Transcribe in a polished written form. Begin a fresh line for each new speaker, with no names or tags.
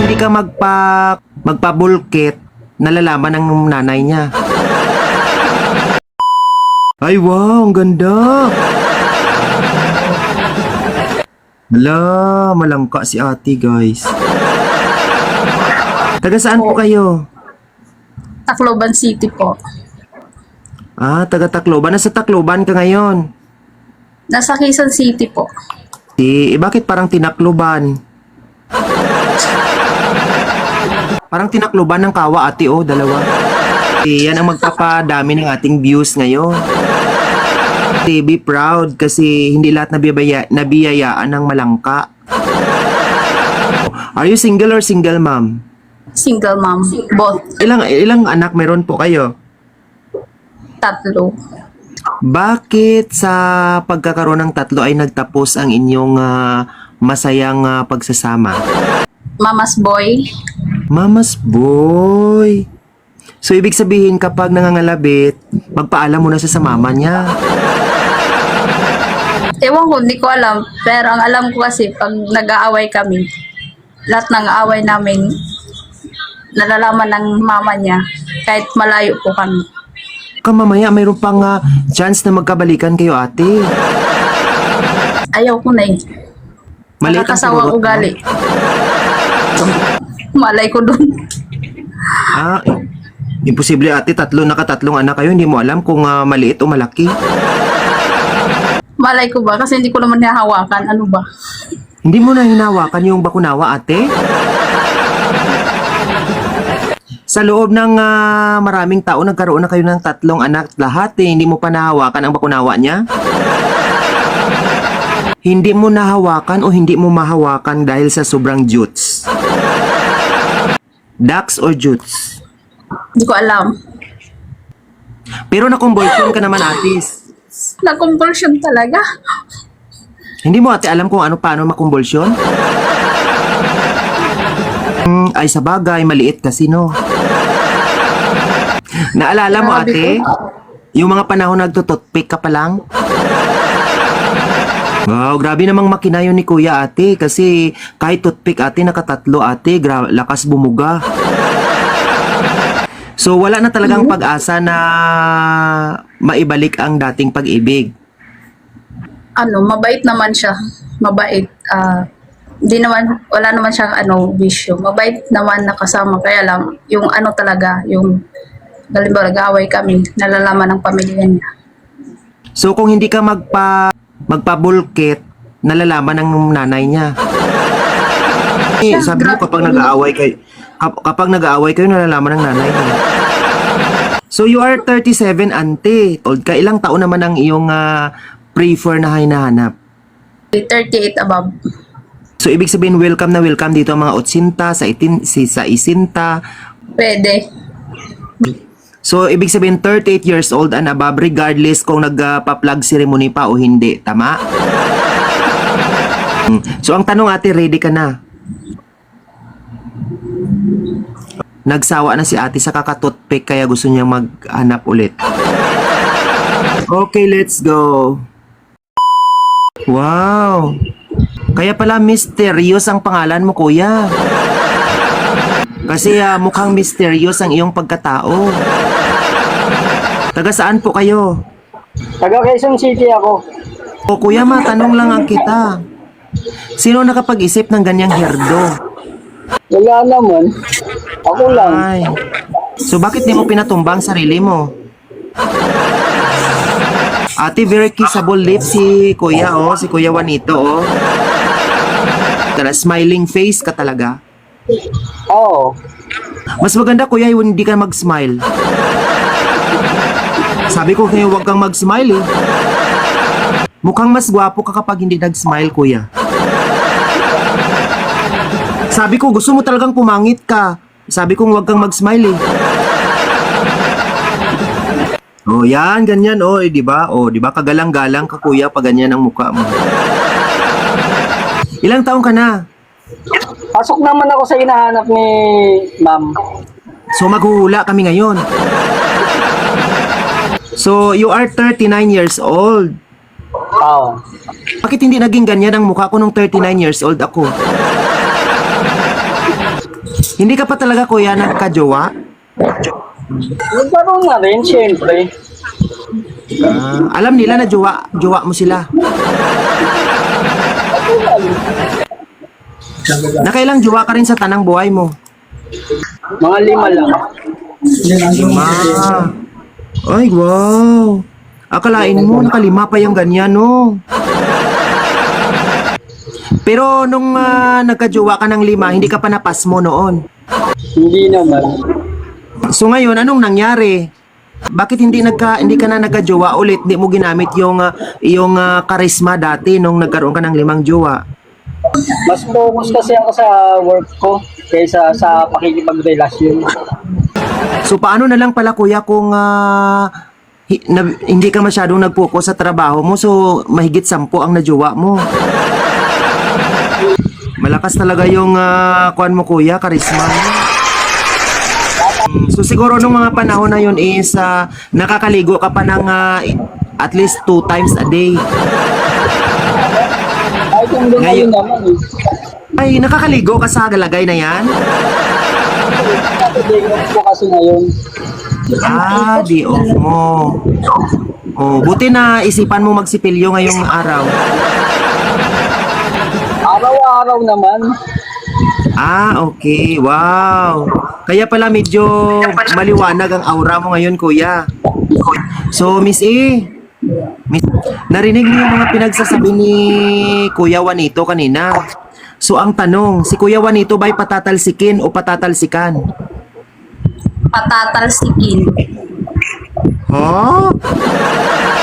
hindi ka magpabulkit, nalalaman ng nanay niya. Ay, wow, ang ganda. Hala, malangka si ate, guys. Taga saan po kayo?
Tacloban City po.
Ah, taga Tacloban. Nasa Tacloban ka ngayon.
Nasa Quezon City po.
Bakit parang tinakloban? Parang tinakloban ng kawa, ate, oh, dalawa. Yan ang magpapadami ng ating views ngayon. Be proud kasi hindi lahat nabiyayaan ng malangka. Are you single or single mom?
Single mom. Both.
Ilang anak meron po kayo?
3.
Bakit sa pagkakaroon ng 3 ay nagtapos ang inyong masayang pagsasama?
Mama's boy.
Mama's boy. So, ibig sabihin kapag nangangalabit, magpaalam muna sa mama niya.
Ewan ko, hindi ko alam. Pero ang alam ko kasi, pag nag-aaway kami, lahat ng aaway namin, nalalaman ng mama niya, kahit malayo po kami.
Mamaya mayroon pang chance na magkabalikan kayo, ate.
Ayaw ko na eh.
Maliit ang
Nakakasawa
pururot mo.
ugali. Malay ko dun.
Imposible, ate. Nakatatlong anak kayo. Hindi mo alam kung maliit o malaki.
Malay ko ba? Kasi hindi ko naman nahawakan. Ano ba?
Hindi mo na hinawakan yung bakunawa, ate? Sa loob ng maraming taon, nagkaroon na kayo ng 3 anak lahat, eh. Hindi mo pa nahawakan ang bakunawa niya? Hindi mo nahawakan o hindi mo mahawakan dahil sa sobrang jutes? Dax or jutes?
Hindi ko alam.
Pero nakumbulsyon ka naman, atis.
Na-compulsion talaga.
Hindi mo, ate, alam kung paano makumbulsyon? Ay, sa bagay, maliit kasi, no? Naalala mo, ate? Yung mga panahon nagtututpick ka pa lang? Wow, grabe namang makina yun ni kuya, ate. Kasi kahit toothpick, ate, nakatatlo, ate. Lakas bumuga. So, wala na talagang pag-asa na maibalik ang dating pag-ibig.
Mabait naman siya. Mabait. Wala naman siyang bisyo. Mabait naman nakasama. Kaya lang, yung talaga, yung halimbawa nag-aaway kami, nalalaman ng pamilya niya.
So, kung hindi ka magpabulkit, nalalaman ng nanay niya. Sabi mo, kapag nag-aaway kayo, nalalaman ng nanay niya. So, you are 37, ante. Old ka, ilang taon naman ang iyong prefer na hinahanap?
38 above.
So, ibig sabihin, welcome na welcome dito ang mga 80, sa isinta.
Pwede.
So, ibig sabihin, 38 years old and above, regardless kung nagpa-plug ceremony pa o hindi. Tama? So, ang tanong, ate, ready ka na? Nagsawa na si ate sa kakatutpick kaya gusto niya maghanap ulit. Okay, let's go. Wow. Kaya pala mysterious ang pangalan mo, kuya. Kasi mukhang mysterious ang iyong pagkatao. Taga saan po kayo?
Taga Quezon City ako.
O kuya, matanong lang ang kita. Sino nakapag-isip ng ganyang herdo?
Wala naman. Ako lang.
Ay. So bakit di mo pinatumbang sarili mo? Ate, very kissable lips si kuya, oh. Si kuya Juanito, oh. Smiling face ka talaga.
Oo.
Mas maganda, kuya, yung hindi ka mag-smile. Sabi ko kayo, huwag kang mag-smile, eh. Mukhang mas gwapo ka kapag hindi nag-smile, kuya. Sabi ko, gusto mo talagang pumangit ka. Sabi ko, huwag kang mag-smile, eh. Oh, yan, ganyan, oh, eh, di ba? Oh, di ba? Kagalang-galang ka, kuya, pag ganyan ang mukha mo. Ilang taong ka na?
Pasok naman ako sa hinahanap ni ma'am.
So, maghuhula kami ngayon. So, you are 39 years old.
Oo.
Bakit hindi naging ganyan ang mukha ko nung 39 years old ako? Hindi ka pa talaga kuya nagka-jowa?
Nagkaroon na rin, syempre.
Alam nila na jowa mo sila. Nakailang jowa ka rin sa tanang buhay mo?
Mga 5 lang.
5. Ay, wow. Akalain mo, nakalima pa yung ganyan, no? Pero nung nagka-jowa ka ng 5, hindi ka pa napas mo noon.
Hindi naman.
So ngayon, anong nangyari? Bakit hindi ka na nagka-jowa ulit? Di mo ginamit yung karisma dati nung nagkaroon ka ng 5 jowa?
Mas focus kasi ako sa work ko kaysa sa pakikipagrelasyon.
So paano na lang pala kuya kung hindi ka masyadong nag-focus sa trabaho mo, so mahigit 10 ang najowa mo. Malakas talaga yung kuan mo kuya, karisma mo. So siguro nung mga panahon na yun is nakakaligo ka pa ng at least 2 times a day.
Kahit yung doon
Ngayon-
naman eh.
Ay, nakakaligo ka sa galagay na yan?
Saturday off ko kasi ngayon.
Di off mo. Oh, buti na isipan mo magsipilyo ngayong araw.
Araw-araw naman.
Okay. Wow. Kaya pala medyo maliwanag ang aura mo ngayon, kuya. So, Miss E, narinig mo yung mga pinagsasabi ni Kuya Juanito kanina. So, ang tanong, si Kuya Juanito ba'y patatalsikin o patatalsikan?
Patatalsikin.
Oh?